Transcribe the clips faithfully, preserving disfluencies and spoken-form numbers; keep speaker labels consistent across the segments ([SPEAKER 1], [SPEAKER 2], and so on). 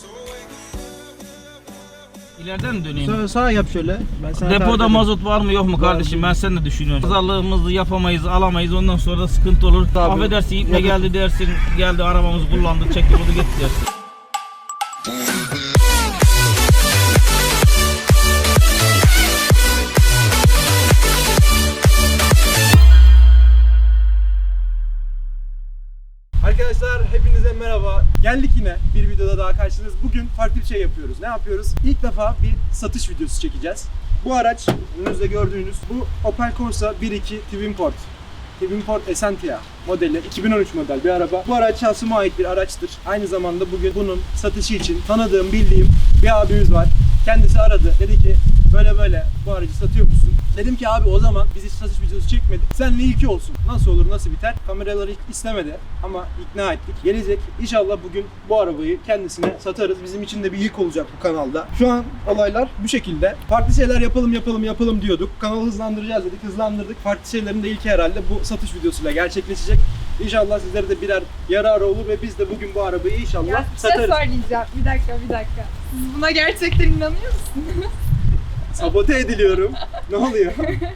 [SPEAKER 1] İleriden mi döneyim?
[SPEAKER 2] Sağ, sağa yap şöyle. Ben sana
[SPEAKER 1] Depoda mazot var mı yok mu kardeşim? Ben sen de düşünüyorum. Pazarlığımızı yapamayız, alamayız. Ondan sonra da sıkıntı olur.
[SPEAKER 2] Tabii.
[SPEAKER 1] Affedersin, ipne geldi dersin. Geldi arabamızı kullandı, çekti bunu gitti dersin.
[SPEAKER 2] Arkadaşlar hepinize merhaba. Geldik yine bir videoda daha karşınız. Bugün farklı bir şey yapıyoruz. Ne yapıyoruz? İlk defa bir satış videosu çekeceğiz. Bu araç önünüzde gördüğünüz bu Opel Corsa bir iki Twinport. Twinport Essentia modeli, iki bin on üç model bir araba. Bu araç şahsıma ait bir araçtır. Aynı zamanda bugün bunun satışı için tanıdığım, bildiğim bir abimiz var. Kendisi aradı. Dedi ki böyle böyle bu aracı satıyor musun? Dedim ki abi o zaman biz hiç satış videosu çekmedik. Seninle ilki olsun. Nasıl olur, nasıl biter? Kameraları hiç istemedi ama ikna ettik. Gelecek. İnşallah bugün bu arabayı kendisine satarız. Bizim için de bir ilk olacak bu kanalda. Şu an olaylar bu şekilde. Farklı şeyler yapalım yapalım yapalım diyorduk. Kanalı hızlandıracağız dedik. Hızlandırdık. Farklı şeylerin de ilki herhalde bu satış videosuyla gerçekleşecek. İnşallah sizlere de birer yararı olur ve biz de bugün bu arabayı inşallah
[SPEAKER 3] Ya bir şey
[SPEAKER 2] satarız.
[SPEAKER 3] söyleyeceğim. Bir dakika, bir dakika. Siz buna gerçekten inanıyor musunuz?
[SPEAKER 2] Sabote ediliyorum. Ne oluyor?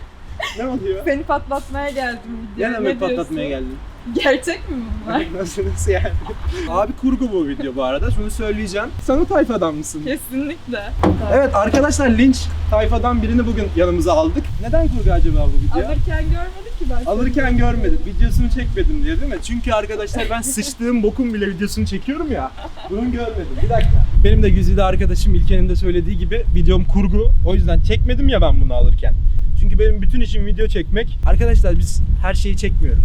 [SPEAKER 2] Ne oluyor?
[SPEAKER 3] Seni patlatmaya geldim video.
[SPEAKER 2] Gene mi patlatmaya geldin?
[SPEAKER 3] Gerçek mi bunlar?
[SPEAKER 2] Nasıl nasıl yani? Abi kurgu bu video bu arada. Şunu söyleyeceğim. Sen o tayfadan mısın?
[SPEAKER 3] Kesinlikle.
[SPEAKER 2] Evet arkadaşlar, linç tayfadan birini bugün yanımıza aldık. Neden kurgu acaba bu video?
[SPEAKER 3] Alırken görmedik ki ben. seni.
[SPEAKER 2] Alırken görmedim. Videosunu çekmedim diye değil mi? Çünkü arkadaşlar ben sıçtığım bokun bile videosunu çekiyorum ya. Bunu görmedim. Bir dakika. Benim de güzide arkadaşım İlker'in de söylediği gibi videom kurgu. O yüzden çekmedim ya ben bunu alırken. Çünkü benim bütün işim video çekmek. Arkadaşlar biz her şeyi çekmiyoruz.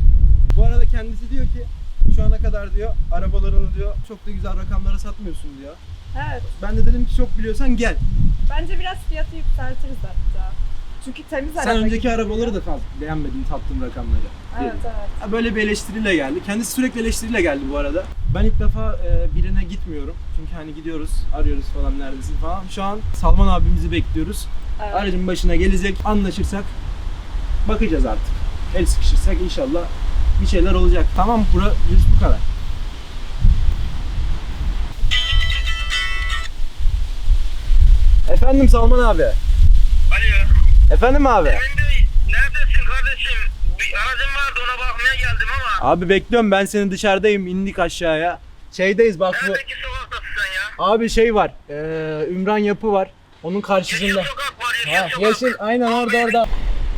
[SPEAKER 2] Bu arada kendisi diyor ki şu ana kadar diyor arabalarını diyor çok da güzel rakamlara satmıyorsun diyor.
[SPEAKER 3] Evet.
[SPEAKER 2] Ben de dedim ki çok biliyorsan gel.
[SPEAKER 3] Bence biraz fiyatı yükseltiriz hatta. Çünkü temiz araba.
[SPEAKER 2] Sen önceki
[SPEAKER 3] gibi
[SPEAKER 2] arabaları
[SPEAKER 3] duruyor.
[SPEAKER 2] da fazla beğenmedin, sattığın rakamları.
[SPEAKER 3] Evet
[SPEAKER 2] diyelim.
[SPEAKER 3] evet.
[SPEAKER 2] Ha, böyle bir eleştiriyle geldi. Kendisi sürekli eleştiriyle geldi bu arada. Ben ilk defa e, birine gitmiyorum. Çünkü hani gidiyoruz, arıyoruz falan neredesin falan. Şu an Salman abimizi bekliyoruz.
[SPEAKER 3] Evet.
[SPEAKER 2] Aracın başına gelecek, anlaşırsak bakacağız artık. El sıkışırsak inşallah bir şeyler olacak. Tamam, bura yüz bu kadar. Efendim Salman abi.
[SPEAKER 4] Alo.
[SPEAKER 2] Efendim abi.
[SPEAKER 4] Emin Bey, neredesin kardeşim? Bir aracım vardı, ona bakmaya geldim ama.
[SPEAKER 2] Abi bekliyorum, ben seni dışarıdayım, indik aşağıya. Şeydeyiz bak bu.
[SPEAKER 4] Neredeki sokaktasın sen ya?
[SPEAKER 2] Abi şey var, ee, Ümran Yapı var. Onun karşısında.
[SPEAKER 4] Yeşil sokak var, yeşil
[SPEAKER 2] Ha,
[SPEAKER 4] sokak.
[SPEAKER 2] yeşil, aynen orada orada.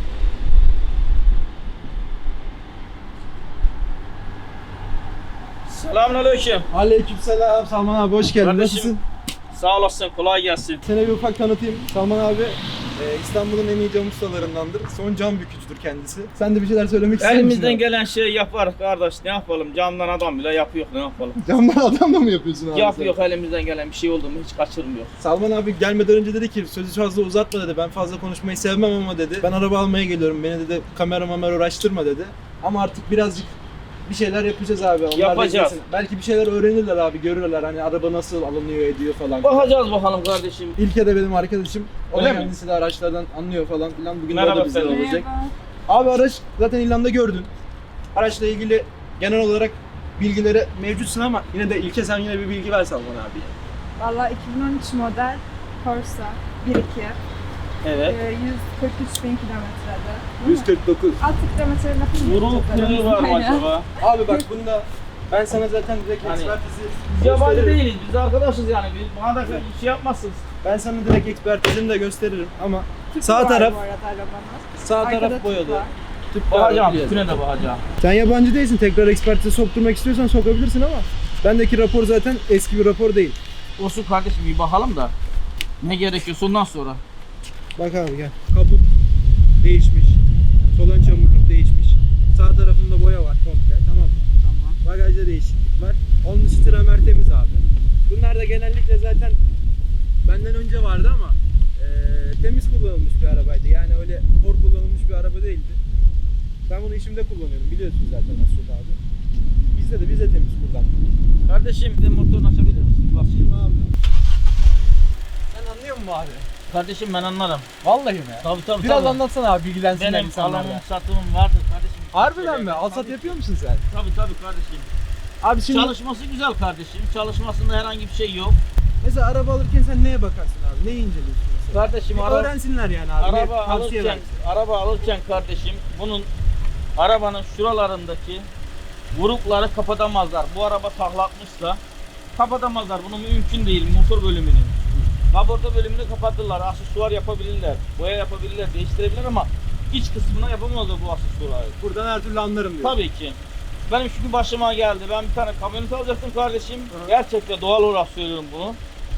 [SPEAKER 1] Selamünaleyküm.
[SPEAKER 2] Aleykümselam Salman abi, hoş geldin.
[SPEAKER 1] Kardeşim.
[SPEAKER 2] Nasılsın?
[SPEAKER 1] Sağ olasın, kolay gelsin.
[SPEAKER 2] Seni bir ufak tanıtayım. Salman abi e, İstanbul'un en iyi cam ustalarındandır. Son cam bükücüdür kendisi. Sen de bir şeyler söylemek ister misin?
[SPEAKER 1] Elimizden
[SPEAKER 2] abi?
[SPEAKER 1] gelen şeyi yaparız kardeş. Ne yapalım? Camdan adam bile yapıyor. Ne yapalım?
[SPEAKER 2] Camdan adamla mı yapıyorsun abi?
[SPEAKER 1] Yapıyor,
[SPEAKER 2] sen?
[SPEAKER 1] elimizden gelen bir şey oldu mu hiç kaçırmıyor.
[SPEAKER 2] Salman abi gelmeden önce dedi ki sözü fazla uzatma dedi. Ben fazla konuşmayı sevmem ama dedi. Ben araba almaya geliyorum. Beni dedi kamera mamera uğraştırma dedi. Ama artık birazcık bir şeyler yapacağız abi. Onlar da
[SPEAKER 1] Yapacağız.
[SPEAKER 2] izlesin. Belki bir şeyler öğrenirler abi, görürler hani araba nasıl alınıyor ediyor falan.
[SPEAKER 1] Bakacağız bakalım kardeşim.
[SPEAKER 2] İlke de benim arkadaşım. O da
[SPEAKER 1] Öyle mi?
[SPEAKER 2] kendisi de araçlardan anlıyor falan filan. Bugün de
[SPEAKER 1] Merhaba
[SPEAKER 2] o da bizde
[SPEAKER 1] efendim.
[SPEAKER 2] olacak.
[SPEAKER 3] Merhaba.
[SPEAKER 2] Abi araç zaten ilanda gördün. Araçla ilgili genel olarak bilgileri mevcutsun ama yine de İlke sen yine bir bilgi ver Salman abi.
[SPEAKER 3] Valla iki bin on üç model Corsa bir iki.
[SPEAKER 1] Evet.
[SPEAKER 3] Ee, yüz kırk üç bin kilometrede.
[SPEAKER 2] yüz kırk dokuz.
[SPEAKER 3] Altı kilometre lafı
[SPEAKER 1] Vurul kırığı var mı acaba?
[SPEAKER 2] Abi bak bunda ben sana zaten direkt
[SPEAKER 1] Hani-
[SPEAKER 2] ekspertizi
[SPEAKER 1] Biz yabancı
[SPEAKER 2] gösteririm.
[SPEAKER 1] değiliz, biz arkadaşız yani. Biz bana da bir şey yapmazsınız.
[SPEAKER 2] Ben sana direkt ekspertizini de gösteririm ama
[SPEAKER 3] Tüpü
[SPEAKER 2] sağ
[SPEAKER 3] var
[SPEAKER 2] taraf
[SPEAKER 3] bu arada arabamız.
[SPEAKER 2] sağ
[SPEAKER 3] Arkada
[SPEAKER 2] taraf
[SPEAKER 3] tüp
[SPEAKER 2] boyalı.
[SPEAKER 3] var.
[SPEAKER 2] Tüp
[SPEAKER 1] Bakacağım,
[SPEAKER 2] biliyorsun.
[SPEAKER 1] tüne de bakacağım.
[SPEAKER 2] Sen yabancı değilsin. Tekrar ekspertize sokturmak istiyorsan sokabilirsin ama bendeki rapor zaten eski bir rapor değil.
[SPEAKER 1] Olsun kardeşim, bir bakalım da ne gerekiyorsa ondan sonra.
[SPEAKER 2] Bak abi gel. Kaput değişmiş. Sol ön çamurluk değişmiş. Sağ tarafında boya var komple, tamam mı?
[SPEAKER 1] Tamam.
[SPEAKER 2] Bagajda değişiklik var. Onun üstü tramer temiz abi. Bunlar da genellikle zaten benden önce vardı ama eee, temiz kullanılmış bir arabaydı. Yani öyle hor kullanılmış bir araba değildi. Ben bunu işimde kullanıyorum, biliyorsun zaten az çok abi. Bizde de biz de temiz kullandık.
[SPEAKER 1] Kardeşim bir de motorunu açabilir misin?
[SPEAKER 2] Bakayım abi. Sen anlıyor musun abi?
[SPEAKER 1] Kardeşim ben anlarım.
[SPEAKER 2] Vallahi mi?
[SPEAKER 1] Tabii tabii.
[SPEAKER 2] Biraz
[SPEAKER 1] tabii.
[SPEAKER 2] anlatsana abi, bilgilensinler
[SPEAKER 1] Benim
[SPEAKER 2] insanlar
[SPEAKER 1] alımım
[SPEAKER 2] da.
[SPEAKER 1] satımım vardır kardeşim.
[SPEAKER 2] Harbiden mi?
[SPEAKER 1] Tabii,
[SPEAKER 2] Alsat
[SPEAKER 1] tabii.
[SPEAKER 2] yapıyor musun sen?
[SPEAKER 1] Tabii tabii kardeşim.
[SPEAKER 2] Abi şimdi
[SPEAKER 1] Çalışması güzel kardeşim. Çalışmasında herhangi bir şey yok.
[SPEAKER 2] mesela araba alırken sen neye bakarsın abi? Neyi inceliyorsun mesela?
[SPEAKER 1] Kardeşim
[SPEAKER 2] Bir
[SPEAKER 1] ara-
[SPEAKER 2] öğrensinler yani abi.
[SPEAKER 1] araba
[SPEAKER 2] Bir tavsiye
[SPEAKER 1] alırken
[SPEAKER 2] versin.
[SPEAKER 1] araba alırken kardeşim bunun arabanın şuralarındaki vurukları kapatamazlar. Bu araba taklatmışsa kapatamazlar. Bunun mümkün değil motor bölümünü. Kaporta bölümünü kapatırlar. Aksesuar yapabilirler. Boya yapabilirler. Değiştirebilirler ama iç kısmına yapamazlar bu aksesuarı.
[SPEAKER 2] Buradan her türlü anlarım diyor.
[SPEAKER 1] Tabii ki. Benim çünkü başıma geldi. Ben bir tane kamyonet alacaktım kardeşim. Gerçekten doğal olarak söylüyorum bunu.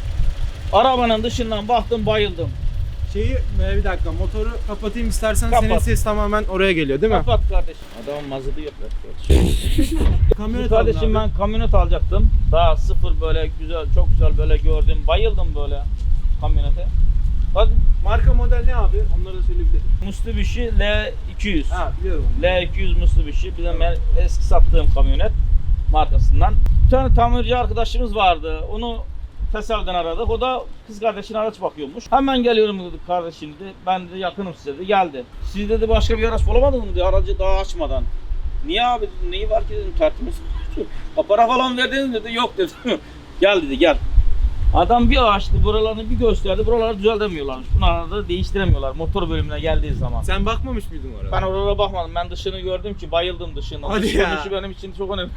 [SPEAKER 1] Arabanın dışından baktım bayıldım.
[SPEAKER 2] Şeyi e, bir dakika motoru kapatayım istersen
[SPEAKER 1] Kapat.
[SPEAKER 2] senin ses tamamen oraya geliyor değil mi?
[SPEAKER 1] Kapat kardeşim. Adamın mazotu yok. Kardeşim,
[SPEAKER 2] Kamyonet
[SPEAKER 1] kardeşim
[SPEAKER 2] aldın abi.
[SPEAKER 1] ben kamyonet alacaktım. Daha sıfır böyle güzel, çok güzel böyle gördüm. Bayıldım böyle kamyonete. Bak
[SPEAKER 2] Marka model ne abi? Onları da söyleyebilirim.
[SPEAKER 1] Mitsubishi L iki yüz.
[SPEAKER 2] Ha biliyorum.
[SPEAKER 1] L iki yüz Mitsubishi. Bir de ben eski sattığım kamyonet markasından. Bir tane tamirci arkadaşımız vardı. Onu tesadüfen aradık. O da kız kardeşine araç bakıyormuş. Hemen geliyorum dedi kardeşim dedi. Ben de yakınım size dedi. Geldi. Siz dedi başka bir araç bulamadınız mı dedi. Aracı daha açmadan. Niye abi dedim. Neyi var ki dedim. Tertemiz. Ha, para falan verdiniz dedi. Yok dedi. Gel dedi gel. Adam bir açtı buralarını bir gösterdi. Buraları düzeltemiyorlarmış. Bunları da değiştiremiyorlar motor bölümüne geldiği zaman.
[SPEAKER 2] Sen bakmamış mıydın oraya?
[SPEAKER 1] Ben oralara bakmadım. Ben dışını gördüm ki bayıldım dışına.
[SPEAKER 2] Hadi
[SPEAKER 1] Dış
[SPEAKER 2] ya.
[SPEAKER 1] görünüşü benim için çok önemli.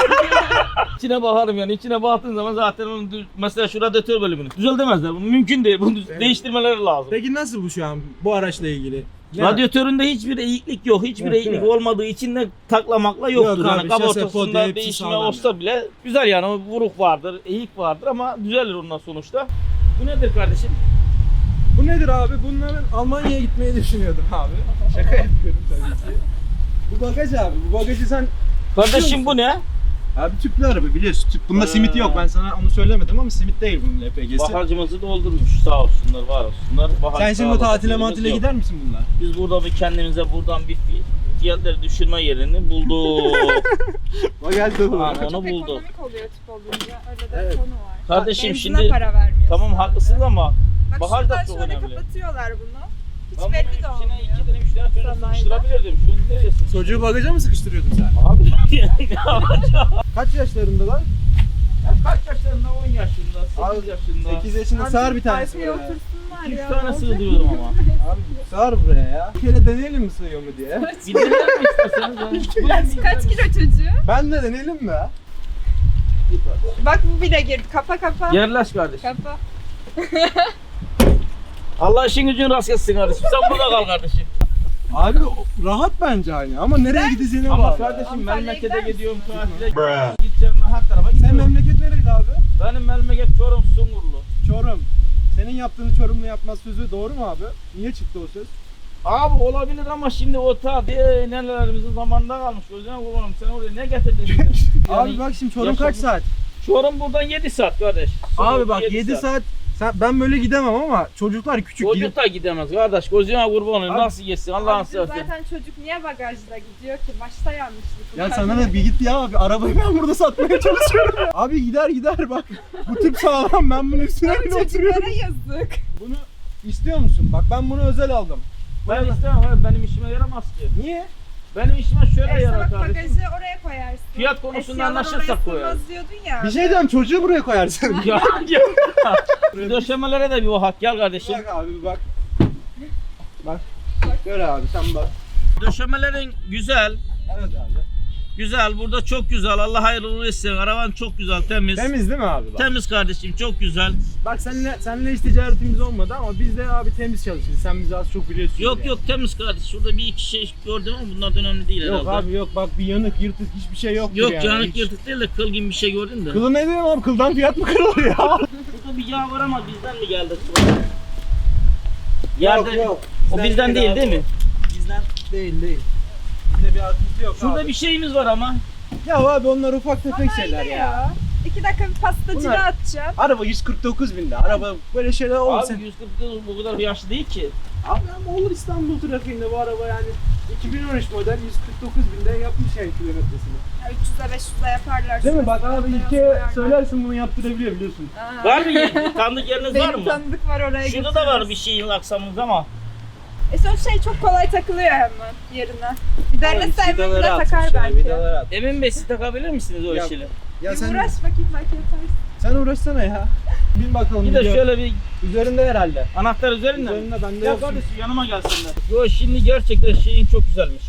[SPEAKER 1] İçine bakarım yani. İçine baktığın zaman zaten onun düz- mesela şu radyatör bölümünü düzeltemezler. Bu mümkün değil. Bunu düz-
[SPEAKER 2] Evet.
[SPEAKER 1] değiştirmeleri lazım.
[SPEAKER 2] Peki nasıl bu şu an bu araçla ilgili? Ne?
[SPEAKER 1] Radyatöründe hiçbir eğiklik yok. Hiçbir
[SPEAKER 2] Yok,
[SPEAKER 1] eğiklik
[SPEAKER 2] değil mi?
[SPEAKER 1] olmadığı için de taklamakla yoktur.
[SPEAKER 2] Yok abi,
[SPEAKER 1] yani
[SPEAKER 2] şase,
[SPEAKER 1] kaportasında
[SPEAKER 2] podi, hepsi
[SPEAKER 1] değişme
[SPEAKER 2] sağlam
[SPEAKER 1] olsa
[SPEAKER 2] yani.
[SPEAKER 1] bile güzel yani. O vuruk vardır, eğik vardır ama düzelir ondan sonuçta. Bu nedir kardeşim?
[SPEAKER 2] Bu nedir abi? Bununla ben Almanya'ya gitmeyi düşünüyordum abi. Şaka yapıyorum tabii ki. Bu bagaj abi. Bu bagajı sen
[SPEAKER 1] Kardeşim bu ne?
[SPEAKER 2] abi tüplü araba biliyorsun. Tüp. Bunda
[SPEAKER 1] Ha.
[SPEAKER 2] simit yok. Ben sana onu söylemedim ama simit değil bunun L P G'si.
[SPEAKER 1] Baharcımızı doldurmuş sağ olsunlar, var olsunlar. Bahar
[SPEAKER 2] Sen şimdi
[SPEAKER 1] sağ
[SPEAKER 2] tatile
[SPEAKER 1] olsun,
[SPEAKER 2] matile
[SPEAKER 1] yok.
[SPEAKER 2] gider misin bununla?
[SPEAKER 1] Biz burada bir kendimize buradan bir fi- fiyatları düşürme yerini bulduk.
[SPEAKER 2] O geldi bu.
[SPEAKER 1] Aa,
[SPEAKER 3] Çok
[SPEAKER 1] onu bulduk.
[SPEAKER 3] ekonomik oluyor tip olunca. Öyle de
[SPEAKER 2] Evet.
[SPEAKER 3] bir konu var.
[SPEAKER 1] Kardeşim
[SPEAKER 3] Benzine
[SPEAKER 1] şimdi-
[SPEAKER 3] para vermiyorsun.
[SPEAKER 1] Tamam haklısınız ama
[SPEAKER 3] Bak
[SPEAKER 1] bahar da
[SPEAKER 3] şuradan
[SPEAKER 1] çok
[SPEAKER 3] şöyle
[SPEAKER 1] önemli.
[SPEAKER 3] kapatıyorlar bunu. Hiç
[SPEAKER 1] ben
[SPEAKER 3] belli de
[SPEAKER 1] bunun
[SPEAKER 3] olmuyor.
[SPEAKER 1] içine iki tane üç tane çocuk
[SPEAKER 3] Sanayide.
[SPEAKER 1] sıkıştırabilirdim. Şunu nereye sıkıştırayım?
[SPEAKER 2] Çocuğu bagaja mı sıkıştırıyordun sen?
[SPEAKER 1] Abi ne yapacağım?
[SPEAKER 2] Kaç yaşlarındalar?
[SPEAKER 1] Ya kaç yaşlarında? on yaşında,
[SPEAKER 2] Abi,
[SPEAKER 1] sekiz yaşında.
[SPEAKER 2] sekiz yaşında
[SPEAKER 3] Abi
[SPEAKER 2] sığar bir tanesi
[SPEAKER 3] arkaya
[SPEAKER 2] buraya.
[SPEAKER 3] otursunlar
[SPEAKER 1] iki üç
[SPEAKER 3] ya.
[SPEAKER 1] tane
[SPEAKER 3] ne olacak?
[SPEAKER 1] sığdırıyorum ama.
[SPEAKER 2] Abi sığar buraya ya. Bir kere deneyelim mi sığıyor mu diye.
[SPEAKER 1] Bir deneyelim mi isterseniz? Ben-
[SPEAKER 3] Kaç, kaç kilo çocuğu?
[SPEAKER 2] Ben de deneyelim mi?
[SPEAKER 3] Bak bu bile girdi. Kapa kapa.
[SPEAKER 1] Yerleş kardeşim.
[SPEAKER 3] Kapa.
[SPEAKER 1] Allah işin gücün rast gelsin kardeşim. Sen burada kal kardeşim.
[SPEAKER 2] Abi o- rahat bence hani ama nereye gideceğine
[SPEAKER 1] Ama
[SPEAKER 2] bağlı.
[SPEAKER 1] kardeşim
[SPEAKER 3] Antalya'ya
[SPEAKER 1] memlekete
[SPEAKER 3] gider misin?
[SPEAKER 1] gidiyorum tatile gideceğim ben her tarafa
[SPEAKER 2] Sen
[SPEAKER 1] gidiyorum.
[SPEAKER 2] memleket nereydi abi?
[SPEAKER 1] Benim memleket Çorum Sungurlu.
[SPEAKER 2] Çorum. Senin yaptığını Çorumlu yapmaz sözü doğru mu abi? Niye çıktı o söz?
[SPEAKER 1] Abi olabilir ama şimdi o ta diye nenelerimizin zamanında kalmış. Gözüne kurbanım sen oraya ne getirdin şimdi? Yani
[SPEAKER 2] Abi bak şimdi Çorum
[SPEAKER 1] yaşam-
[SPEAKER 2] kaç saat?
[SPEAKER 1] Çorum buradan yedi saat kardeş.
[SPEAKER 2] Abi
[SPEAKER 1] Çorum
[SPEAKER 2] bak yedi saat. Sen, ben böyle gidemem ama çocuklar küçük.
[SPEAKER 1] Çocuk da gidemez kardeş. Gözüne kurban olayım.
[SPEAKER 2] Abi-
[SPEAKER 1] Nasıl yesin Allah'ın
[SPEAKER 3] Abi
[SPEAKER 1] seversen.
[SPEAKER 3] zaten çocuk niye bagajda gidiyor ki? Başta yanlışlık.
[SPEAKER 2] Ya sana da bir git ya abi. Arabayı ben burada satmaya çalışıyorum. Abi gider gider bak. Bu tip sağlam, ben bunun üstüne
[SPEAKER 3] Abi
[SPEAKER 2] bile oturuyorum.
[SPEAKER 3] çocuklara yazık.
[SPEAKER 2] Bunu istiyor musun? Bak ben bunu özel aldım.
[SPEAKER 1] Ben istemem abi, benim işime yaramaz ki.
[SPEAKER 2] Niye?
[SPEAKER 1] Benim işime şöyle
[SPEAKER 3] E,
[SPEAKER 1] yarar
[SPEAKER 3] salak
[SPEAKER 1] kardeşim.
[SPEAKER 3] bagajı oraya koyarsın.
[SPEAKER 1] Fiyat konusunda
[SPEAKER 3] Eşyalar
[SPEAKER 1] anlaşırsak
[SPEAKER 3] oraya
[SPEAKER 1] koyarız.
[SPEAKER 3] sığmaz diyordun ya.
[SPEAKER 2] Bir şey diyeceğim, çocuğu buraya koyarsın.
[SPEAKER 1] Ya, ya. Bir döşemelere de bir bak gel kardeşim.
[SPEAKER 2] Bak abi bir bak. Bak. Gör abi sen bak.
[SPEAKER 1] Döşemelerin güzel.
[SPEAKER 2] Evet abi.
[SPEAKER 1] Güzel. Burada çok güzel. Allah hayırlı uğurlu etsin. Araban çok güzel, temiz.
[SPEAKER 2] Temiz değil mi abi bak?
[SPEAKER 1] Temiz kardeşim, çok güzel.
[SPEAKER 2] Bak seninle, seninle hiç ticaretimiz olmadı ama biz de abi temiz çalışırız. Sen bizi az çok biliyorsun.
[SPEAKER 1] Yok
[SPEAKER 2] yani.
[SPEAKER 1] yok temiz kardeş. Şurada bir iki şey gördüm ama bunlardan önemli değil
[SPEAKER 2] Yok
[SPEAKER 1] herhalde.
[SPEAKER 2] abi yok bak bir yanık yırtık hiçbir şey yok.
[SPEAKER 1] Yok
[SPEAKER 2] yani.
[SPEAKER 1] yanık
[SPEAKER 2] Hiç-
[SPEAKER 1] yırtık değil de kıl gibi bir şey gördün de.
[SPEAKER 2] Kılı ne diyorum abi? Kıldan fiyat mı kırılır ya?
[SPEAKER 1] Burada bir yağ var ama bizden mi geldi? Yerde,
[SPEAKER 2] yok.
[SPEAKER 1] o bizden değil
[SPEAKER 2] abi.
[SPEAKER 1] değil mi?
[SPEAKER 2] Bizden değil değil. Bizde bir artısı yok
[SPEAKER 1] Şurada
[SPEAKER 2] abi.
[SPEAKER 1] bir şeyimiz var ama.
[SPEAKER 2] Ya abi onlar ufak tefek şeyler
[SPEAKER 3] Aynen
[SPEAKER 2] ya.
[SPEAKER 3] İki dakika bir pastacıda
[SPEAKER 2] Bunlar-
[SPEAKER 3] atacağım.
[SPEAKER 2] Araba yüz kırk dokuz binde. Araba böyle şeyler olmasın.
[SPEAKER 1] Abi yüz kırk dokuz bu kadar yaşlı değil ki.
[SPEAKER 2] Abi ama olur İstanbul trafiğinde bu araba yani iki bin on üç model yüz kırk dokuz binde yapmış yani kilometresini.
[SPEAKER 3] Ya üç yüze beş yüze yaparlar.
[SPEAKER 2] Değil mi?
[SPEAKER 3] Şurası
[SPEAKER 2] Bak abi
[SPEAKER 3] beyaz
[SPEAKER 2] ilke
[SPEAKER 3] boyarlar.
[SPEAKER 2] söylersin bunu yaptırabiliyor biliyorsun.
[SPEAKER 3] Aa.
[SPEAKER 1] Var mı? Tanıdık yeriniz var
[SPEAKER 3] Benim
[SPEAKER 1] mı?
[SPEAKER 3] tanıdık var oraya
[SPEAKER 1] Şurada da var
[SPEAKER 3] götürürüz.
[SPEAKER 1] bir şeyin aksamımız ama.
[SPEAKER 3] E son şey çok kolay takılıyor hemen yerine. Bir derlese Emin bile
[SPEAKER 2] Vidaları
[SPEAKER 3] takar
[SPEAKER 2] atmış ya,
[SPEAKER 3] belki.
[SPEAKER 2] vidaları at.
[SPEAKER 1] Emin Bey siz takabilir misiniz o
[SPEAKER 2] Ya-
[SPEAKER 1] işleri?
[SPEAKER 2] Ya
[SPEAKER 3] Bir
[SPEAKER 2] sen,
[SPEAKER 3] uğraş bakayım belki yaparsın.
[SPEAKER 2] sen uğraşsana ya. Bin bakalım.
[SPEAKER 1] Bir de
[SPEAKER 2] video.
[SPEAKER 1] şöyle bir
[SPEAKER 2] Üzerinde herhalde.
[SPEAKER 1] anahtar üzerinde mi?
[SPEAKER 2] Üzerinde bende
[SPEAKER 1] Ya
[SPEAKER 2] yok.
[SPEAKER 1] kardeşim yanıma gelsinler. Yo şimdi gerçekten şeyin çok güzelmiş.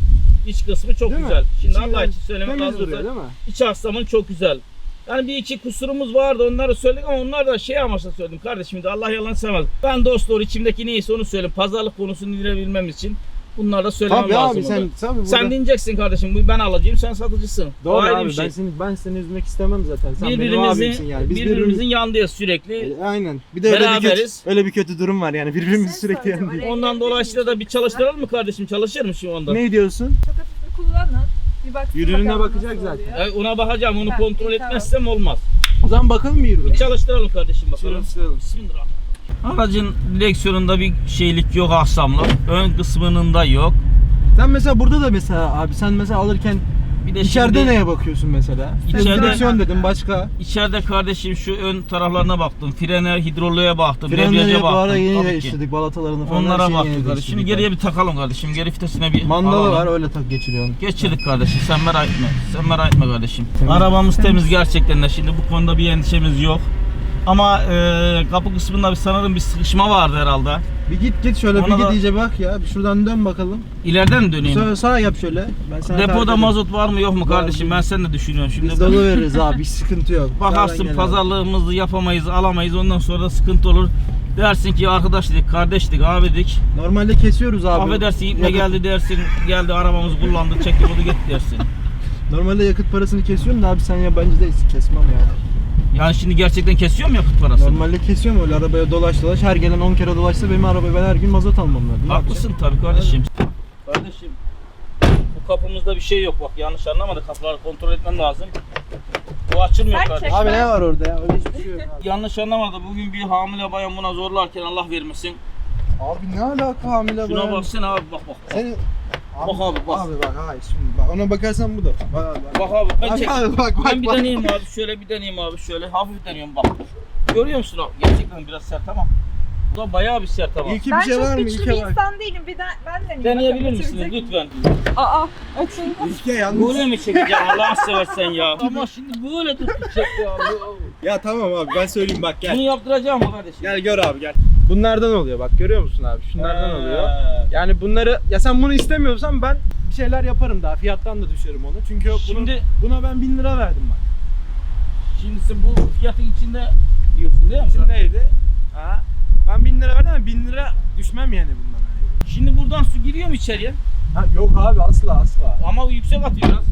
[SPEAKER 1] İç kısmı çok
[SPEAKER 2] Değil mi?
[SPEAKER 1] güzel. Şimdi
[SPEAKER 2] İçinden
[SPEAKER 1] Allah için söylemek
[SPEAKER 2] temiz
[SPEAKER 1] lazım.
[SPEAKER 2] duruyor değil mi?
[SPEAKER 1] İç aksamın çok güzel. Yani bir iki kusurumuz vardı onları söyledik ama onlar da şey amaçla söyledim kardeşim de Allah yalan sevmez. Ben dost doğru içimdeki neyse onu söyleyeyim. Pazarlık konusunu indirebilmem için bunları da söylemem
[SPEAKER 2] Tabii
[SPEAKER 1] lazım.
[SPEAKER 2] abi sen
[SPEAKER 1] orada.
[SPEAKER 2] sen, burada...
[SPEAKER 1] Sen diyeceksin kardeşim bu ben alacağım sen satıcısın.
[SPEAKER 2] Doğru
[SPEAKER 1] Ayrı
[SPEAKER 2] abi
[SPEAKER 1] bir şey.
[SPEAKER 2] ben seni ben seni üzmek istemem zaten. Sen benim
[SPEAKER 1] birbirimizin,
[SPEAKER 2] abimsin yani. Biz
[SPEAKER 1] birbirimizin
[SPEAKER 2] birbirimiz
[SPEAKER 1] yanındayız sürekli.
[SPEAKER 2] E, aynen. Bir de öyle bir kötü
[SPEAKER 1] Beraberiz.
[SPEAKER 2] öyle bir kötü durum var yani birbirimizi
[SPEAKER 3] Ses
[SPEAKER 2] sürekli
[SPEAKER 3] soracağım,
[SPEAKER 2] yanındayız.
[SPEAKER 3] araya
[SPEAKER 1] Ondan
[SPEAKER 3] girebilir
[SPEAKER 1] dolayısıyla
[SPEAKER 3] miyim?
[SPEAKER 1] da bir çalıştıralım mı kardeşim? Çalışır mı şu anda?
[SPEAKER 2] Ne diyorsun?
[SPEAKER 3] Çok hafif kullanın. Bir baksın
[SPEAKER 2] Yürürlüğüne
[SPEAKER 3] bakalım
[SPEAKER 2] bakacak
[SPEAKER 3] nasıl
[SPEAKER 2] zaten.
[SPEAKER 3] oluyor.
[SPEAKER 1] E, ona bakacağım onu
[SPEAKER 3] Ha,
[SPEAKER 1] kontrol
[SPEAKER 3] iyi, tamam.
[SPEAKER 1] etmezsem olmaz.
[SPEAKER 2] O zaman bakalım mı yürüyelim?
[SPEAKER 1] Çalıştıralım kardeşim bakalım.
[SPEAKER 2] Çalıştıralım.
[SPEAKER 1] Bismillahirrahmanirrahim. Aracın direksiyonunda bir şeylik yok aksamlık. Ön kısmının da yok.
[SPEAKER 2] Sen mesela burada da mesela abi sen mesela alırken
[SPEAKER 1] Bir de
[SPEAKER 2] içeride
[SPEAKER 1] şimdi
[SPEAKER 2] neye bakıyorsun mesela?
[SPEAKER 1] İçeride-
[SPEAKER 2] Direksiyon dedim başka.
[SPEAKER 1] içeride kardeşim şu ön taraflarına baktım. Frene, hidrolüğe baktım.
[SPEAKER 2] Frenleri
[SPEAKER 1] Debriyaja
[SPEAKER 2] bu ara
[SPEAKER 1] baktım.
[SPEAKER 2] yeni
[SPEAKER 1] Tabii ki.
[SPEAKER 2] değiştirdik balatalarını falan. her
[SPEAKER 1] Onlara
[SPEAKER 2] şeyi yeni
[SPEAKER 1] baktık kardeşim.
[SPEAKER 2] değiştirdik
[SPEAKER 1] Şimdi geriye bir takalım kardeşim. Geri vitesine bir
[SPEAKER 2] Mandalı
[SPEAKER 1] alalım.
[SPEAKER 2] var öyle tak geçiriyorsun.
[SPEAKER 1] Geçirdik kardeşim. Sen merak etme. Sen merak etme kardeşim.
[SPEAKER 2] Temiz.
[SPEAKER 1] Arabamız temiz gerçekten de. Şimdi bu konuda bir endişemiz yok. Ama e, kapı kısmında bir sanırım bir sıkışma vardı herhalde.
[SPEAKER 2] Bir git git şöyle
[SPEAKER 1] Ona
[SPEAKER 2] bir git
[SPEAKER 1] da-
[SPEAKER 2] iyice bak ya. Bir şuradan dön bakalım.
[SPEAKER 1] İleriden mi döneyim?
[SPEAKER 2] Sağ, sağ yap şöyle. Ben sana tarif
[SPEAKER 1] Depoda
[SPEAKER 2] edeyim.
[SPEAKER 1] mazot var mı yok mu
[SPEAKER 2] Var,
[SPEAKER 1] kardeşim?
[SPEAKER 2] biz-
[SPEAKER 1] Ben sen de düşünüyorum şimdi.
[SPEAKER 2] Biz dolu veririz abi hiç sıkıntı yok. Sağdan
[SPEAKER 1] Bakarsın
[SPEAKER 2] gel abi.
[SPEAKER 1] pazarlığımızı yapamayız, alamayız. Ondan sonra da sıkıntı olur. Dersin ki arkadaşlık, kardeşlik, abidik.
[SPEAKER 2] Normalde kesiyoruz abi.
[SPEAKER 1] Affedersin ipme
[SPEAKER 2] Yakıt-
[SPEAKER 1] geldi dersin. Geldi arabamızı kullandı, çekti bunu git dersin.
[SPEAKER 2] Normalde yakıt parasını kesiyorum da abi sen yabancı değilsin kesmem yani.
[SPEAKER 1] Yani şimdi gerçekten kesiyor mu yakıt parasını?
[SPEAKER 2] Normalde kesiyorum öyle arabaya dolaş dolaş her gelen on kere dolaşsa benim arabaya ben her gün mazot almam lazım. Ne
[SPEAKER 1] Haklısın tabii kardeşim. Kardeşim bu kapımızda bir şey yok bak yanlış anlamadı kapıları kontrol etmem lazım. Bu açılmıyor
[SPEAKER 3] Sen
[SPEAKER 1] kardeşim.
[SPEAKER 3] çek.
[SPEAKER 2] Abi ne var orada ya? Öyle hiçbir şey yok abi.
[SPEAKER 1] Yanlış anlamadı bugün bir hamile bayan buna zorlarken Allah vermesin.
[SPEAKER 2] Abi ne alaka hamile
[SPEAKER 1] Şuna
[SPEAKER 2] bayan?
[SPEAKER 1] baksana abi bak bak. Bak,
[SPEAKER 2] Seni...
[SPEAKER 1] Bak abi, bak.
[SPEAKER 2] Abi bak hayır şimdi bak ona bakarsan bu da. Bak abi bak.
[SPEAKER 1] bak abi ben
[SPEAKER 2] Abi,
[SPEAKER 1] çek.
[SPEAKER 2] abi, bak, bak,
[SPEAKER 1] ben bir
[SPEAKER 2] bak.
[SPEAKER 1] deneyeyim abi şöyle bir deneyeyim abi şöyle hafif deniyorum bak. Görüyor musun abi? Gerçekten biraz sert ama. Bu da bayağı bir sert ama.
[SPEAKER 2] İlki
[SPEAKER 3] Ben
[SPEAKER 2] bir şey
[SPEAKER 3] çok
[SPEAKER 2] var mı?
[SPEAKER 3] güçlü
[SPEAKER 2] İlke
[SPEAKER 3] bir
[SPEAKER 2] var.
[SPEAKER 3] insan değilim. Bir de ben deneyeyim.
[SPEAKER 1] Deneyebilir
[SPEAKER 3] Bakalım
[SPEAKER 1] misiniz
[SPEAKER 3] bitirecek mi?
[SPEAKER 1] lütfen?
[SPEAKER 3] Aa, açın.
[SPEAKER 2] İlke yalnız.
[SPEAKER 1] Böyle mi çekeceğim Allah'ını seversen ya? Ama şimdi böyle tutup çek ya.
[SPEAKER 2] Ya tamam abi ben söyleyeyim bak
[SPEAKER 1] Bunu
[SPEAKER 2] gel.
[SPEAKER 1] yaptıracağım mı kardeşim?
[SPEAKER 2] Gel gör abi gel. Bunlardan oluyor bak görüyor musun abi? Şunlardan
[SPEAKER 1] He.
[SPEAKER 2] oluyor. Yani bunları ya sen bunu istemiyorsan ben bir şeyler yaparım daha fiyattan da düşerim onu. Çünkü bunu,
[SPEAKER 1] Şimdi-
[SPEAKER 2] buna ben bin lira verdim bak.
[SPEAKER 1] Şimdi sen bu fiyatın içinde diyorsun değil mi?
[SPEAKER 2] Neydi? Ha? Ben bin lira verdim ama bin lira düşmem yani bundan. Hani.
[SPEAKER 1] Şimdi buradan su giriyor mu içeriye?
[SPEAKER 2] Ha, yok abi asla asla.
[SPEAKER 1] Ama bu yüksek atıyor biraz.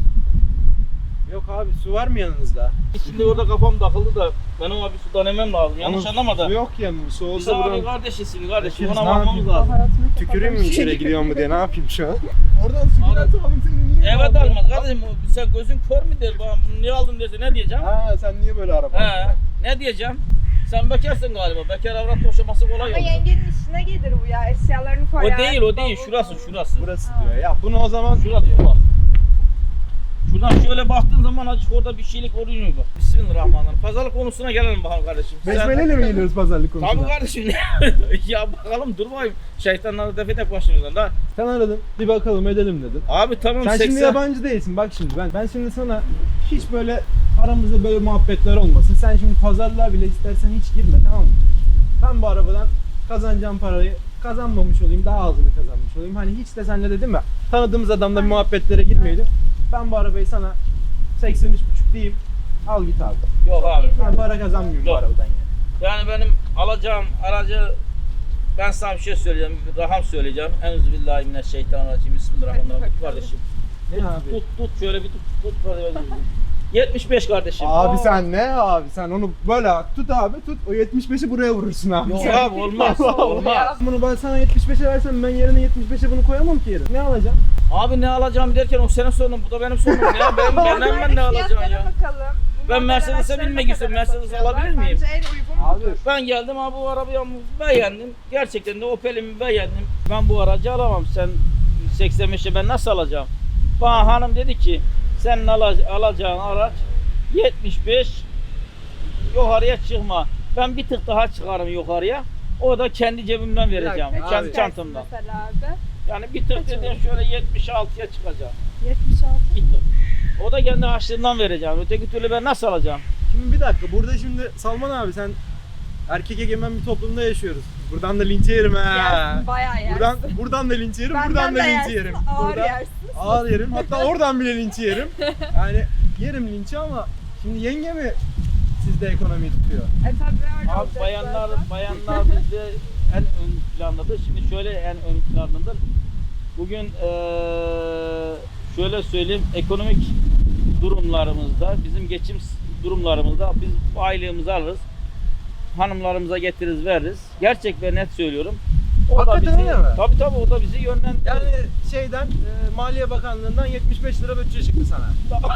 [SPEAKER 2] Yok abi su var mı yanınızda?
[SPEAKER 1] Şimdi orada kafam takıldı da ben ona bir su denemem lazım. Yanlış
[SPEAKER 2] Onun
[SPEAKER 1] anlama
[SPEAKER 2] Su
[SPEAKER 1] da.
[SPEAKER 2] yok yanımda. Su
[SPEAKER 1] Biz
[SPEAKER 2] olsa
[SPEAKER 1] abi
[SPEAKER 2] buradan
[SPEAKER 1] kardeşisin kardeşim.
[SPEAKER 2] Bakıyoruz,
[SPEAKER 1] Ona
[SPEAKER 2] ne
[SPEAKER 1] bakmamız
[SPEAKER 2] yapayım?
[SPEAKER 1] lazım.
[SPEAKER 3] Hayatımda
[SPEAKER 2] tüküreyim mi
[SPEAKER 3] kapalı bir
[SPEAKER 2] içeri
[SPEAKER 3] şey.
[SPEAKER 2] gidiyor mu diye ne yapayım şu an? Oradan su
[SPEAKER 1] Abi-
[SPEAKER 2] girerse oğlum seni niye
[SPEAKER 1] Evet
[SPEAKER 2] aldın?
[SPEAKER 1] almaz kardeşim. o- Sen gözün kör mü der bana bunu niye aldın dese ne diyeceğim?
[SPEAKER 2] Ha sen niye böyle araba?
[SPEAKER 1] He. Ne diyeceğim? Sen bekarsın galiba. Bekar avrat boşaması kolay
[SPEAKER 3] Ama
[SPEAKER 1] olur.
[SPEAKER 3] yengenin işine gelir bu ya. Eşyalarını
[SPEAKER 1] O
[SPEAKER 3] koyar.
[SPEAKER 1] değil o değil.
[SPEAKER 3] bavul
[SPEAKER 1] Şurası
[SPEAKER 3] koyar.
[SPEAKER 1] şurası.
[SPEAKER 2] Burası diyor. Ya bunu o zaman
[SPEAKER 1] Şurada diyor bak. Şuradan şöyle baktığın zaman acık orada bir şeylik oluyor bak. Bismillahirrahmanirrahim. Pazarlık konusuna gelelim bakalım kardeşim. Sen-
[SPEAKER 2] besmeleyle mi geliyoruz pazarlık konusuna?
[SPEAKER 1] Tabii kardeşim. Ya bakalım dur bakayım. Şeytanları def edek başımızdan da.
[SPEAKER 2] Sen aradın bir bakalım edelim dedin.
[SPEAKER 1] Abi tamam
[SPEAKER 2] Sen
[SPEAKER 1] seksen.
[SPEAKER 2] şimdi yabancı değilsin bak şimdi ben ben şimdi sana hiç böyle aramızda böyle muhabbetler olmasın. Sen şimdi pazarlığa bile istersen hiç girme tamam mı? Ben bu arabadan kazanacağım parayı kazanmamış olayım daha azını kazanmış olayım. Hani hiç de senle dedim ya tanıdığımız adamla bir muhabbetlere girmeyelim. Ben bu arabayı sana seksen üç buçuk diyeyim. Al git abi.
[SPEAKER 1] Yok abi.
[SPEAKER 2] Ben para kazanmıyorum bu
[SPEAKER 1] Yok.
[SPEAKER 2] arabadan yani.
[SPEAKER 1] Yani benim alacağım aracı ben sana bir şey söyleyeceğim. Bir rakam söyleyeceğim. Enzubillahimineşşeytanirracim. Bismillahirrahmanirrahim. Tut kardeşim.
[SPEAKER 2] Ne abi?
[SPEAKER 1] Tut tut şöyle bir tut tut kardeşim. yetmiş beş kardeşim.
[SPEAKER 2] Abi
[SPEAKER 1] Aa.
[SPEAKER 2] sen ne abi sen onu böyle tut abi tut o yetmiş beşi buraya vurursun abi.
[SPEAKER 1] Yok abi olmaz. Olmaz.
[SPEAKER 2] Bunu ben sana yetmiş beşe versem ben yerine yetmiş beşe bunu koyamam ki yerine. Ne alacağım?
[SPEAKER 1] Abi ne alacağım derken o senin sorunun bu da benim sorunum ya. Ben benden ben ne alacağım
[SPEAKER 3] Fiyatlara
[SPEAKER 1] ya.
[SPEAKER 3] bakalım.
[SPEAKER 1] Ben
[SPEAKER 3] Bunlar
[SPEAKER 1] Mercedes'e
[SPEAKER 3] araçlarına
[SPEAKER 1] binmek istiyorum.
[SPEAKER 3] kadar
[SPEAKER 1] Mercedes
[SPEAKER 3] satıyorlar.
[SPEAKER 1] alabilir miyim?
[SPEAKER 3] Bence en uygun
[SPEAKER 2] Abi.
[SPEAKER 3] budur.
[SPEAKER 1] Ben geldim abi bu arabayı beğendim. Gerçekten de Opel'imi beğendim. Ben bu aracı alamam. Sen seksen beşe ben nasıl alacağım? Bana hanım dedi ki senin ala- alacağın araç yetmiş beş yukarıya çıkma. Ben bir tık daha çıkarım yukarıya. O da kendi cebimden vereceğim.
[SPEAKER 2] dakika,
[SPEAKER 1] Kendi
[SPEAKER 2] abi.
[SPEAKER 1] çantamdan.
[SPEAKER 3] Mesela abi.
[SPEAKER 1] Yani bir tır dediğin şöyle yetmiş altıya çıkacak.
[SPEAKER 3] yetmiş altı.
[SPEAKER 1] Bir tır. O da kendi harçlığından vereceğim. Öteki türlü ben nasıl alacağım?
[SPEAKER 2] Şimdi bir dakika, burada şimdi Salman abi sen erkek egemen bir toplumda yaşıyoruz. Buradan da linç yerim ha.
[SPEAKER 3] Yersin, bayağı yersin.
[SPEAKER 2] Buradan buradan da linç yerim,
[SPEAKER 3] Benden
[SPEAKER 2] buradan da
[SPEAKER 3] de
[SPEAKER 2] linç
[SPEAKER 3] yersin,
[SPEAKER 2] yerim.
[SPEAKER 3] ağır
[SPEAKER 2] Burada
[SPEAKER 3] yersin.
[SPEAKER 2] ağır yerim. Hatta oradan bile linç yerim. Yani yerim linçi ama şimdi yenge mi sizde ekonomiyi tutuyor?
[SPEAKER 3] E tabii öyle
[SPEAKER 1] Abi
[SPEAKER 3] olacak
[SPEAKER 1] bayanlar
[SPEAKER 3] zaten.
[SPEAKER 1] bayanlar bizde en ön plandadır. Şimdi şöyle en ön plandadır. Bugün eee, şöyle söyleyeyim, ekonomik durumlarımızda, bizim geçim durumlarımızda biz bu aylığımızı alırız. Hanımlarımıza getiririz, veririz. Gerçek ve net söylüyorum. O
[SPEAKER 2] Hakikaten
[SPEAKER 1] da bizi,
[SPEAKER 2] öyle mi?
[SPEAKER 1] Tabii tabii o da bizi yönlendirir.
[SPEAKER 2] Yani şeyden e, Maliye Bakanlığı'ndan yetmiş beş lira bütçe çıktı sana.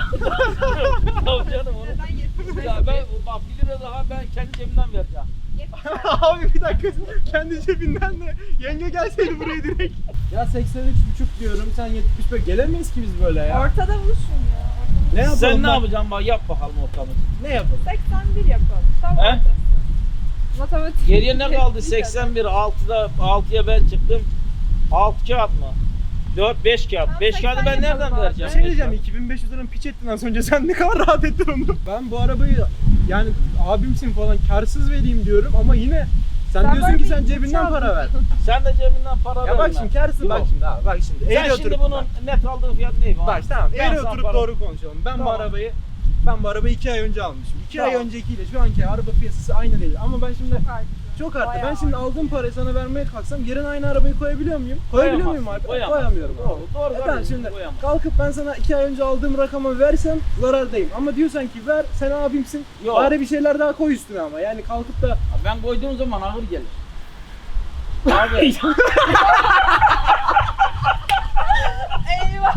[SPEAKER 1] Tabii canım onu.
[SPEAKER 3] Neden yetmiş beş?
[SPEAKER 1] Ya ben bak bir lira daha ben kendi cebimden vereceğim.
[SPEAKER 3] yetmiş beş.
[SPEAKER 2] Abi bir dakika, kendi cebinden de yenge gelseydi buraya direkt. Ya seksen üç buçuk diyorum, sen yetmiş beş, gelemeyiz ki biz böyle ya.
[SPEAKER 3] Ortada buluşun ya. Ortada.
[SPEAKER 2] Ne yapalım?
[SPEAKER 1] Sen ne
[SPEAKER 2] bak?
[SPEAKER 1] yapacaksın bak yap bakalım ortamı.
[SPEAKER 2] Ne yapalım?
[SPEAKER 3] seksen bir yapalım. Tam
[SPEAKER 1] He?
[SPEAKER 3] ortası. Matematik.
[SPEAKER 1] Geriye ne kaldı?
[SPEAKER 3] Bir
[SPEAKER 1] seksen bir, altıda altıya ben çıktım. altı kağıt mı? dört beş kağıt.
[SPEAKER 3] Tamam,
[SPEAKER 1] beş kağıdı ben
[SPEAKER 3] seksen
[SPEAKER 1] nereden
[SPEAKER 3] yapalım abi.
[SPEAKER 1] vereceğim?
[SPEAKER 2] Bir şey
[SPEAKER 1] beş
[SPEAKER 2] diyeceğim,
[SPEAKER 1] kağıt?
[SPEAKER 2] iki bin beş yüz liranın piç ettin az önce, sen ne kadar rahat ettin onu. Ben bu arabayı yani abimsin falan karsız vereyim diyorum ama yine sen,
[SPEAKER 3] Sen
[SPEAKER 2] diyorsun
[SPEAKER 3] böyle
[SPEAKER 2] ki sen
[SPEAKER 3] bir
[SPEAKER 2] cebinden
[SPEAKER 3] çaldın.
[SPEAKER 2] para ver.
[SPEAKER 1] Sen de cebinden para
[SPEAKER 2] Ya bak
[SPEAKER 1] verme.
[SPEAKER 2] şimdi karsın, bak
[SPEAKER 1] Yok.
[SPEAKER 2] şimdi abi, bak şimdi.
[SPEAKER 1] Sen
[SPEAKER 2] Eğri
[SPEAKER 1] şimdi
[SPEAKER 2] oturup
[SPEAKER 1] bunun
[SPEAKER 2] bak.
[SPEAKER 1] net aldığın fiyat ne?
[SPEAKER 2] Bak tamam,
[SPEAKER 1] Ben
[SPEAKER 2] eğri
[SPEAKER 1] sana
[SPEAKER 2] oturup
[SPEAKER 1] para-
[SPEAKER 2] doğru konuşalım. Ben bu
[SPEAKER 1] Tamam.
[SPEAKER 2] arabayı ben bu arabayı iki ay önce almışım. iki ay
[SPEAKER 1] Tamam.
[SPEAKER 2] öncekiyle şu anki araba piyasası aynı değil. Ama ben şimdi
[SPEAKER 3] Çok arttı.
[SPEAKER 2] çok arttı.
[SPEAKER 3] Bayağı
[SPEAKER 2] Ben şimdi
[SPEAKER 3] arttı.
[SPEAKER 2] aldığım parayı sana vermeye kalksam yerine aynı arabayı koyabiliyor muyum? Koyabiliyor muyum
[SPEAKER 1] Koyamazsın,
[SPEAKER 2] abi?
[SPEAKER 1] koyamazsın.
[SPEAKER 2] Koyamıyorum.
[SPEAKER 1] Doğru, doğru
[SPEAKER 2] E tamam,
[SPEAKER 1] kardeşim,
[SPEAKER 2] şimdi
[SPEAKER 1] koyamazsın.
[SPEAKER 2] kalkıp ben sana iki ay önce aldığım rakamı versem zarardayım. Ama diyorsan ki ver, sen abimsin.
[SPEAKER 1] Yok.
[SPEAKER 2] Bari bir şeyler daha koy üstüne ama. Yani kalkıp da
[SPEAKER 1] Ben koyduğum zaman ağır gelir. Abi
[SPEAKER 3] Eyvah.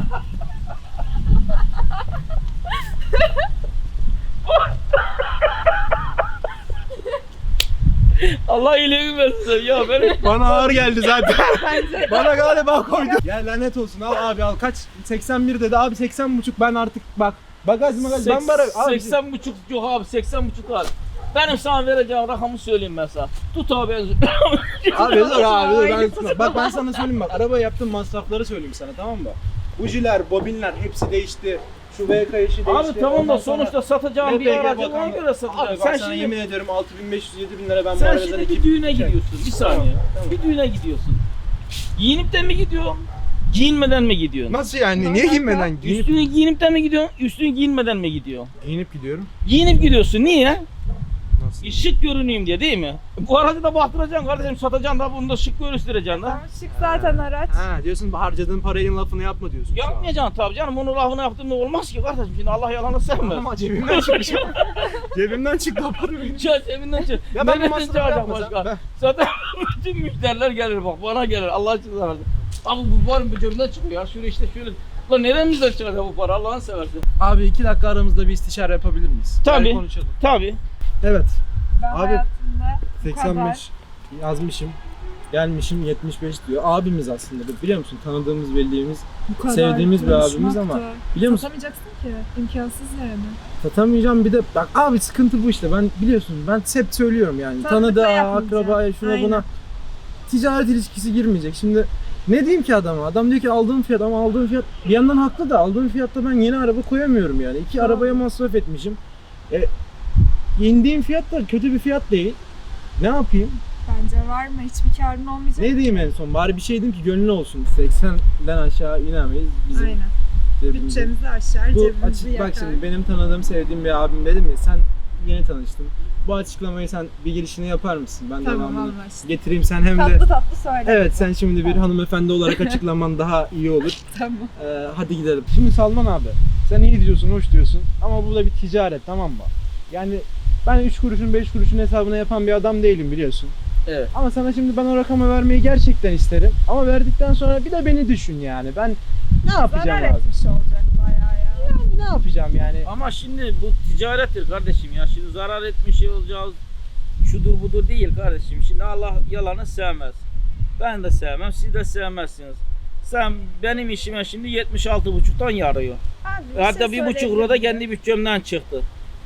[SPEAKER 1] Allah iyiliğini versin ya benim.
[SPEAKER 2] bana ağır geldi zaten.
[SPEAKER 3] Bence.
[SPEAKER 2] Bana galiba koydu. Ya lanet olsun, al abi al, kaç? seksen bir dedi abi, seksen buçuk, ben artık bak. Bagaj magaj ben bara abi.
[SPEAKER 1] seksen buçuk yok abi seksen buçuk al. Benim sana vereceğim rakamı söyleyeyim mesela. Tut abi ben.
[SPEAKER 2] Abi dur abi dur, ben
[SPEAKER 3] Ay.
[SPEAKER 2] sana- bak ben sana söyleyeyim, bak araba yaptığım masrafları söyleyeyim sana, tamam mı? Bujiler, bobinler hepsi değişti. Şu V K işi değişti.
[SPEAKER 1] Abi tamam
[SPEAKER 2] Ondan
[SPEAKER 1] da
[SPEAKER 2] sonra
[SPEAKER 1] sonuçta satacağım bir
[SPEAKER 2] L P G
[SPEAKER 1] aracı ona
[SPEAKER 2] bakanlığı-
[SPEAKER 1] göre satacağım.
[SPEAKER 2] Abi bak
[SPEAKER 1] Sen
[SPEAKER 2] sana
[SPEAKER 1] şimdi
[SPEAKER 2] yemin ediyorum altı bin beş yüz yedi bin lira ben bu
[SPEAKER 1] sen
[SPEAKER 2] arabadan
[SPEAKER 1] şimdi
[SPEAKER 2] iki-
[SPEAKER 1] bir düğüne
[SPEAKER 2] Şey-
[SPEAKER 1] gidiyorsun. Bir
[SPEAKER 2] Tamam,
[SPEAKER 1] saniye.
[SPEAKER 2] tamam.
[SPEAKER 1] Bir düğüne gidiyorsun. Giyinip de mi gidiyorsun? Giyinmeden mi gidiyorsun?
[SPEAKER 2] Nasıl yani? Niye giyinmeden? Giyinip,
[SPEAKER 1] Üstünü giyinip de mi gidiyorsun? Üstünü giyinmeden mi gidiyorsun?
[SPEAKER 2] giyinip gidiyorum.
[SPEAKER 1] Giyinip gidiyorsun. Niye?
[SPEAKER 2] Nasıl?
[SPEAKER 1] Şık görüneyim diye değil mi? Bu aracı da baktıracaksın kardeşim, satacaksın da bunu da şık göstereceksin da.
[SPEAKER 3] Tamam, şık zaten araç.
[SPEAKER 2] Ha diyorsun, harcadığın parayın lafını yapma diyorsun. şu an.
[SPEAKER 1] Yapmayacaksın tabii canım, onun lafını yaptığında olmaz ki kardeşim, şimdi Allah yalanı sevmez.
[SPEAKER 2] Ama cebimden çıkmış. Cebimden çıktı o para benim.
[SPEAKER 1] Çağır cebinden çık.
[SPEAKER 2] Ya ben bu
[SPEAKER 1] Nereden
[SPEAKER 2] masrafı
[SPEAKER 1] çağıracak
[SPEAKER 2] yapmasam,
[SPEAKER 1] başka?
[SPEAKER 2] ben-
[SPEAKER 1] Zaten bütün müşteriler gelir bak, bana gelir Allah aşkına versin. Abi bu var mı, bu cebimden çıkıyor ya, şöyle işte şöyle. Lan neremizden çıkacak bu para, Allah'ını seversen.
[SPEAKER 2] Abi iki dakika aramızda bir istişare yapabilir miyiz?
[SPEAKER 1] Tabii.
[SPEAKER 2] Gel konuşalım.
[SPEAKER 1] Tabii.
[SPEAKER 2] Evet.
[SPEAKER 3] Ben
[SPEAKER 2] Abi,
[SPEAKER 3] hayatımda bu
[SPEAKER 2] seksen
[SPEAKER 3] kadar.
[SPEAKER 2] beş yazmışım. Gelmişim yetmiş beş diyor. Abimiz aslında bu, biliyor musun? Tanıdığımız, bildiğimiz,
[SPEAKER 3] Bu kadar
[SPEAKER 2] sevdiğimiz bir abimiz ama
[SPEAKER 3] konuşmak da
[SPEAKER 2] biliyor musun?
[SPEAKER 3] Satamayacaksın ki. İmkansız yani.
[SPEAKER 2] Satamayacağım bir de bak abi, sıkıntı bu işte. Ben biliyorsun, ben hep söylüyorum yani.
[SPEAKER 3] Tanıdıkla
[SPEAKER 2] Tanıdığa,
[SPEAKER 3] yapmayacaksın.
[SPEAKER 2] akrabaya, şuna
[SPEAKER 3] Aynen.
[SPEAKER 2] buna ticaret ilişkisi girmeyecek. Şimdi ne diyeyim ki adama? Adam diyor ki aldığım fiyat, ama aldığım fiyat bir yandan haklı da, aldığım fiyatta ben yeni araba koyamıyorum yani. İki
[SPEAKER 3] Doğru.
[SPEAKER 2] arabaya masraf etmişim. E, indiğim fiyat da kötü bir fiyat değil. Ne yapayım?
[SPEAKER 3] Bence var mı? Hiçbir karın olmayacak.
[SPEAKER 2] Ne diyeyim en son? Bari bir şey diyeyim ki gönlün olsun. seksenden aşağı inemeyiz bizim.
[SPEAKER 3] Aynen.
[SPEAKER 2] cebimize.
[SPEAKER 3] Bütçemizi aşar,
[SPEAKER 2] Bu
[SPEAKER 3] cebimizi
[SPEAKER 2] açık
[SPEAKER 3] yakar.
[SPEAKER 2] bak şimdi, benim tanıdığım, sevdiğim bir abim dedim ya, sen yeni tanıştın. Bu açıklamayı sen bir girişini yapar mısın? Ben
[SPEAKER 3] Tamam,
[SPEAKER 2] devamını
[SPEAKER 3] anlaştık.
[SPEAKER 2] getireyim, sen hem de
[SPEAKER 3] Tatlı tatlı söyle.
[SPEAKER 2] evet, sen şimdi bir hanımefendi olarak açıklaman daha iyi olur.
[SPEAKER 3] Tamam.
[SPEAKER 2] Ee, hadi gidelim. Şimdi Salman abi, sen iyi diyorsun, hoş diyorsun ama bu da bir ticaret, tamam mı? Yani ben üç kuruşun beş kuruşun hesabına yapan bir adam değilim, biliyorsun.
[SPEAKER 1] Evet.
[SPEAKER 2] Ama sana şimdi ben o rakamı vermeyi gerçekten isterim. Ama verdikten sonra bir de beni düşün yani. Ben ne yapacağım
[SPEAKER 3] Zarar
[SPEAKER 2] abi?
[SPEAKER 3] etmiş olacak bayağı ya.
[SPEAKER 2] Yani ne yapacağım yani?
[SPEAKER 1] Ama şimdi bu ticarettir kardeşim ya. Şimdi zarar etmiş olacağız. Şudur budur değil kardeşim. Şimdi Allah yalanı sevmez. Ben de sevmem, siz de sevmezsiniz. Sen benim işime şimdi yetmiş altı buçuktan yarıyor.
[SPEAKER 3] Abi, bir
[SPEAKER 1] Hatta
[SPEAKER 3] şey
[SPEAKER 1] bir buçuk
[SPEAKER 3] söyleyebilir
[SPEAKER 1] euro da
[SPEAKER 3] miyim?
[SPEAKER 1] kendi bütçemden çıktı.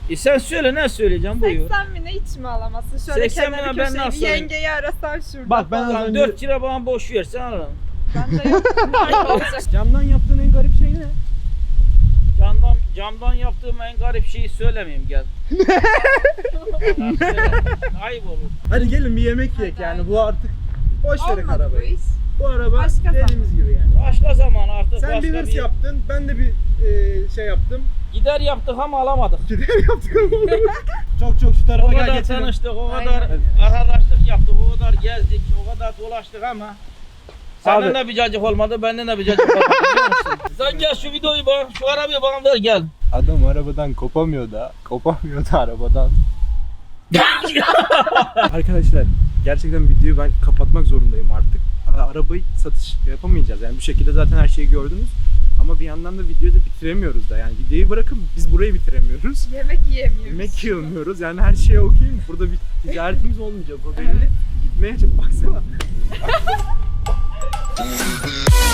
[SPEAKER 1] E sen söyle ne söyleyeceğim buyur.
[SPEAKER 3] seksen bine hiç mi alamazsın? Şöyle
[SPEAKER 1] seksen
[SPEAKER 3] kenarı
[SPEAKER 1] bine ben
[SPEAKER 3] köşeyi
[SPEAKER 1] nasıl
[SPEAKER 3] bir
[SPEAKER 1] alayım?
[SPEAKER 3] yengeyi arasan şurada.
[SPEAKER 2] Bak ben
[SPEAKER 3] falan.
[SPEAKER 2] az
[SPEAKER 1] Lan
[SPEAKER 2] önce
[SPEAKER 1] dört lira bana boş versen alırım.
[SPEAKER 3] Bende yok. Nerede olacak?
[SPEAKER 2] camdan yaptığın en garip şey ne?
[SPEAKER 1] Camdan, camdan yaptığım en garip şeyi söylemeyeyim gel. Ayıp olur.
[SPEAKER 2] Hadi gelin bir yemek yiyek yani bu artık boş verin
[SPEAKER 3] Olmadı bu
[SPEAKER 2] arabayı.
[SPEAKER 3] iş.
[SPEAKER 2] Bu araba
[SPEAKER 3] Başka
[SPEAKER 2] dediğimiz gibi yani.
[SPEAKER 1] Başka zaman artık
[SPEAKER 2] Sen
[SPEAKER 1] başka
[SPEAKER 2] bir hırs
[SPEAKER 1] bir...
[SPEAKER 2] yaptın, ben de bir e, şey yaptım.
[SPEAKER 1] Gider yaptık ama alamadık.
[SPEAKER 2] Gider yaptık ama çok çok şu
[SPEAKER 1] O
[SPEAKER 2] tarafa gel
[SPEAKER 1] kadar
[SPEAKER 2] geçelim.
[SPEAKER 1] tanıştık, o
[SPEAKER 3] Aynen.
[SPEAKER 1] kadar arkadaşlık yaptık, o kadar gezdik, o kadar dolaştık ama senden
[SPEAKER 2] Abi.
[SPEAKER 1] de bir cacık olmadı, benden de bir cacık olmadı biliyor musun? Sen gel şu videoyu bana, şu arabayı bana ver gel.
[SPEAKER 2] Adam arabadan kopamıyor da, kopamıyor da arabadan. Arkadaşlar gerçekten videoyu ben kapatmak zorundayım artık. Arabayı satış yapamayacağız yani bu şekilde zaten her şeyi gördünüz. Ama bir yandan da videoyu da bitiremiyoruz da yani videoyu bırakın biz burayı bitiremiyoruz.
[SPEAKER 3] Yemek yiyemiyoruz.
[SPEAKER 2] Yemek yiyemiyoruz yani her şeye okuyayım. Burada bir ticaretimiz olmayacak o belli. Gitmeye çok baksana.